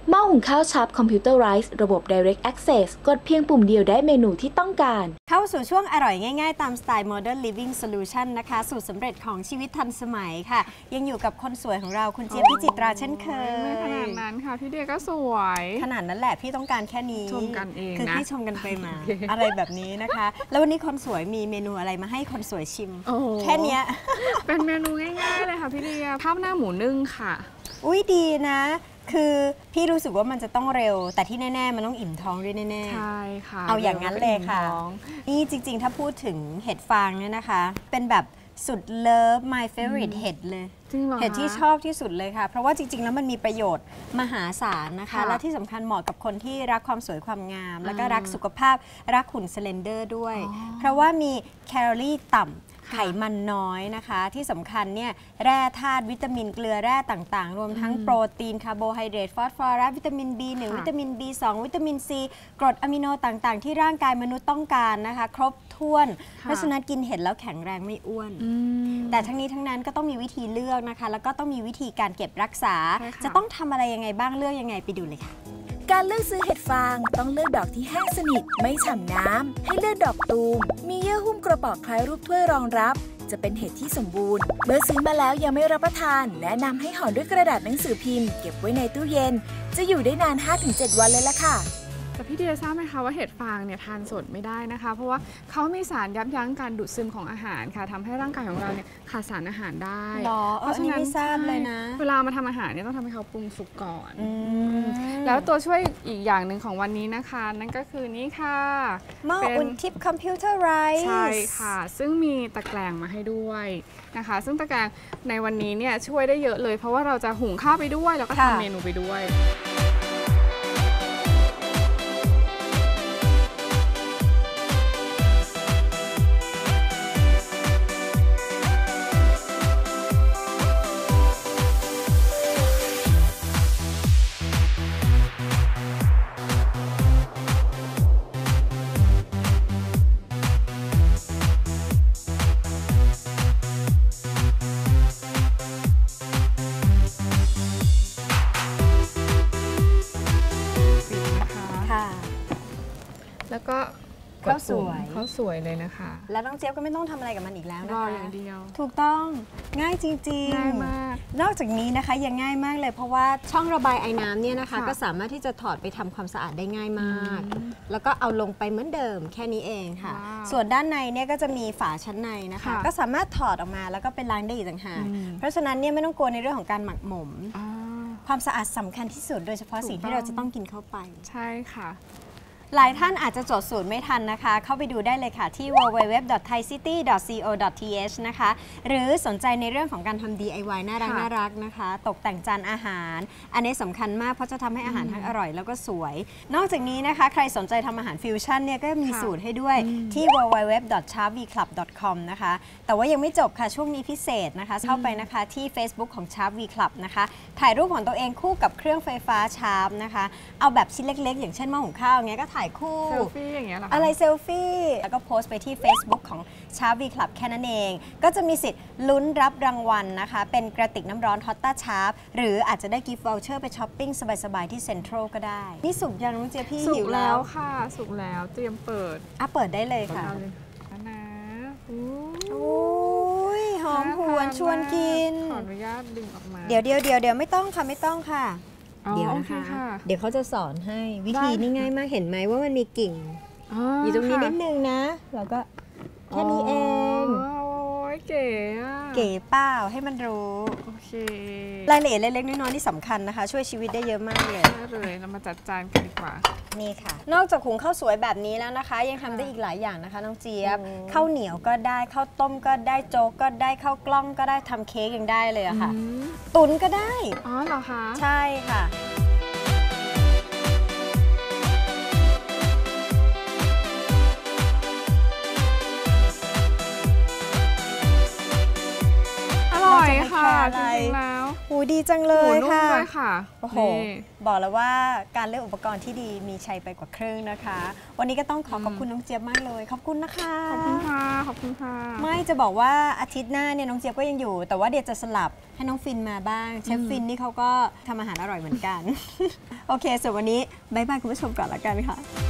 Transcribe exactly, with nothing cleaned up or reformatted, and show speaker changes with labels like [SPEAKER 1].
[SPEAKER 1] หม้อหุงข้าวชับคอมพิวเตอร์ไรซ์ระบบ Direct Access กดเพียงปุ่มเดียวได้เมนูที่ต้องการ
[SPEAKER 2] เข้าสู่ช่วงอร่อยง่ายๆตามสไตล์ Modern Living Solution นะคะสูตรสำเร็จของชีวิตทันสมัยค่ะยังอยู่กับคนสวยของเราคุณเจี๊ยบพิจิตราเช่นเคย
[SPEAKER 3] ไม่ขนาดนั้นค่ะพี่เดียก็สวย
[SPEAKER 2] ขนาดนั้นแหละพี่ต้องการแค่นี้
[SPEAKER 3] ชมกันเองนะ
[SPEAKER 2] คือพี่ชมกันไปมา อะไรแบบนี้นะคะแล้ววันนี้คนสวยมีเมนูอะไรมาให้คนสวยชิมแค่นี้
[SPEAKER 3] เป็นเมนูง่ายๆเลยค่ะพี่เดียข้าวหน้าหมูนึ่งค่ะ
[SPEAKER 2] อุ้ยดีนะคือพี่รู้สึกว่ามันจะต้องเร็วแต่ที่แน่ๆมันต้องอิ่มท้องด้วยแน่
[SPEAKER 3] ๆใช่ค่ะ
[SPEAKER 2] เอาอย่างนั้นเลยค่ะนี่จริงๆถ้าพูดถึงเห็ดฟางเนี่ยนะคะเป็นแบบสุดเลิฟ my favorite เห็ดเลยเห็ดที่ชอบที่สุดเลยค่ะเพราะว่าจริงๆแล้วมันมีประโยชน์มหาศาลนะคะและที่สำคัญเหมาะกับคนที่รักความสวยความงามแล้วก็รักสุขภาพรักหุ่นสเลนเดอร์ด้วยเพราะว่ามีแคลอรี่ต่ำไขมันน้อยนะคะที่สำคัญเนี่ยแร่ธาตุวิตามินเกลือแร่ต่างๆรวมทั้งโปรตีนคาร์โบไฮเดรตฟอสฟอรัสวิตามิน บี หนึ่ง วิตามิน บี สอง วิตามิน ซี กรดอะมิโนต่างๆที่ร่างกายมนุษย์ต้องการนะคะครบถ้วนเพราะฉะนั้นกินเห็ดแล้วแข็งแรงไม่อ้วนแต่ทั้งนี้ทั้งนั้นก็ต้องมีวิธีเลือกนะคะแล้วก็ต้องมีวิธีการเก็บรักษาจะต้องทำอะไรยังไงบ้างเลือกยังไงไปดูเลยค่ะ
[SPEAKER 1] การเลือกซื้อเห็ดฟางต้องเลือกดอกที่แห้งสนิทไม่ฉ่ำน้ำให้เลือกดอกตูมมีเยื่อหุ้มกระบอกคล้ายรูปถ้วยรองรับจะเป็นเห็ดที่สมบูรณ์เมื่อซื้อมาแล้วยังไม่รับประทานแนะนำให้ห่อด้วยกระดาษหนังสือพิมพ์เก็บไว้ในตู้เย็นจะอยู่ได้นาน ห้าถึงเจ็ด วันเลยล่ะค่ะ
[SPEAKER 3] แต่พี่เดียทราบไหมคะว่าเห็ดฟางเนี่ยทานสดไม่ได้นะคะเพราะว่าเขามีสารยับยั้งการดูดซึมของอาหารค่ะทำให้ร่างกายของเราเนี่ยขาดสารอาหารได้
[SPEAKER 2] เพราะฉะนั้นไม่ทราบเลยนะ
[SPEAKER 3] เวลามาทำอาหารเนี่ยต้องทำให้เขาปรุงสุกก่อนแล้วตัวช่วยอีกอย่างหนึ่งของวันนี้นะคะนั่นก็คือนี่ค่ะ
[SPEAKER 2] หม้ออุ่นทิพย์คอมพิวเตอร์ไรซ์
[SPEAKER 3] ใช่ค่ะซึ่งมีตะแกรงมาให้ด้วยนะคะซึ่งตะแกรงในวันนี้เนี่ยช่วยได้เยอะเลยเพราะว่าเราจะหุงข้าวไปด้วยแล้วก็ทำเมนูไปด้วยแล้วก็
[SPEAKER 2] ข้าวสวย
[SPEAKER 3] ข้าวสวยเลยนะคะ
[SPEAKER 2] แล้วน้องเจี๊ยบก็ไม่ต้องทำอะไรกับมันอีกแล้วนะคะ
[SPEAKER 3] รออย่างเดียว
[SPEAKER 2] ถูกต้องง่ายจริงๆ
[SPEAKER 3] ง่ายมาก
[SPEAKER 2] นอกจากนี้นะคะยังง่ายมากเลยเพราะว่าช่องระบายไอ้น้ำเนี่ยนะคะก็สามารถที่จะถอดไปทำความสะอาดได้ง่ายมากแล้วก็เอาลงไปเหมือนเดิมแค่นี้เองค่ะส่วนด้านในเนี่ยก็จะมีฝาชั้นในนะคะก็สามารถถอดออกมาแล้วก็เป็นล้างได้อีกต่างหากเพราะฉะนั้นเนี่ยไม่ต้องกลัวในเรื่องของการหมักหมมความสะอาดสำคัญที่สุดโดยเฉพาะสิ่งที่เราจะต้องกินเข้าไป
[SPEAKER 3] ใช่ค่ะ
[SPEAKER 2] หลายท่านอาจจะจดสูตรไม่ทันนะคะเข้าไปดูได้เลยค่ะที่ ดับเบิลยู ดับเบิลยู ดับเบิลยู ดอท ไทยซิตี้ ดอท ซี โอ ดอท ที เอช นะคะหรือสนใจในเรื่องของการทำ ดี ไอ วาย น่ารักน่ารักนะคะตกแต่งจานอาหารอันนี้สำคัญมากเพราะจะทำให้อาหารทั้งอร่อยแล้วก็สวยนอกจากนี้นะคะใครสนใจทำอาหารฟิวชั่นเนี่ยก็มีสูตรให้ด้วยที่ ดับเบิลยู ดับเบิลยู ดับเบิลยู ดอท ชาร์ป วี คลับ ดอท คอม นะคะแต่ว่ายังไม่จบค่ะช่วงนี้พิเศษนะคะเข้าไปนะคะที่ Facebook ของ Sharp V Club นะคะถ่ายรูปของตัวเองคู่กับเครื่องไฟฟ้า Sharp นะคะเอาแบบชิ้นเล็กๆอย่างเช่นหม้อหุงข้าวอย่างเงี้ยก็ถ่ายคู่
[SPEAKER 3] อย่างเงี้ยหรอ
[SPEAKER 2] อะไรเซลฟี่แล้วก็โพสต์ไปที่ Facebook ของ Sharp V Club แค่นั้นเองก็จะมีสิทธิ์ลุ้นรับรางวัลนะคะเป็นกระติกน้ำร้อน Hotta Sharp หรืออาจจะได้กิฟต์วอลเชอร์ไปช้อปปิ้งสบายๆที่เซ็นทรัลก็ได้นี่สุกยังน้องเจี๊ยบพี่หิวแล้ว
[SPEAKER 3] ค่ะสุกแล้วเตรียมเปิด
[SPEAKER 2] อ่ะเปิดได้เลยค่ะ
[SPEAKER 3] นะ
[SPEAKER 2] โอ้ยหอมหวนชวนกิน
[SPEAKER 3] ขออนุญาตดึงออกมา
[SPEAKER 2] เดี๋ยวเดี๋ยวเดี๋ยวเดี๋ยวไม่ต้องค่ะไม่ต้องค่ะเดี๋ยวนะคะเดี๋ยวเขาจะสอนให้วิธีนี่ง่ายมากเห็นไหมว่ามันมีกิ่งอยู่ตรงนี้นิดนึงนะแล้วก็แค่นี้เอง
[SPEAKER 3] โอ้ยเก๋
[SPEAKER 2] เก๋เปล่าให้มันรู้
[SPEAKER 3] โอเค
[SPEAKER 2] รายละเอียดเล็กๆน้อยๆที่สำคัญนะคะช่วยชีวิตได้เยอะมากเลย
[SPEAKER 3] เลยเรามาจัดจานกันดีกว่า
[SPEAKER 2] นี่ค่ะนอกจากหุงข้าวสวยแบบนี้แล้วนะคะยังทำได้อีกหลายอย่างนะคะน้องเจี๊ยบข้าวเหนียวก็ได้ข้าวต้มก็ได้โจ๊กก็ได้ข้าวกล้องก็ได้ทำเค้กยังได้เลยอะค่ะตุ๋นก็ได้
[SPEAKER 3] อ๋อเหรอคะ
[SPEAKER 2] ใช่ค่ะ
[SPEAKER 3] อร่อยค่ะจริงๆแล้ว
[SPEAKER 2] หูดีจังเลยค่ะ
[SPEAKER 3] หมูนุ่มด้วยค่ะ
[SPEAKER 2] โอ้โหบอกแล้วว่าการเลือกอุปกรณ์ที่ดีมีชัยไปกว่าครึ่งนะคะ วันนี้ก็ต้องขอขอบคุณน้องเจี๊ยบมากเลยขอบคุณนะคะ
[SPEAKER 3] ขอบคุณค่ะขอบคุณค่ะ
[SPEAKER 2] ไม่จะบอกว่าอาทิตย์หน้าเนี่ยน้องเจี๊ยบก็ยังอยู่แต่ว่าเดี๋ยวจะสลับให้น้องฟินมาบ้างเชฟฟินนี่เขาก็ทำอาหารอร่อยเหมือนกัน โอเคส่วนวันนี้บ๊ายบายคุณผู้ชมก่อนละกันค่ะ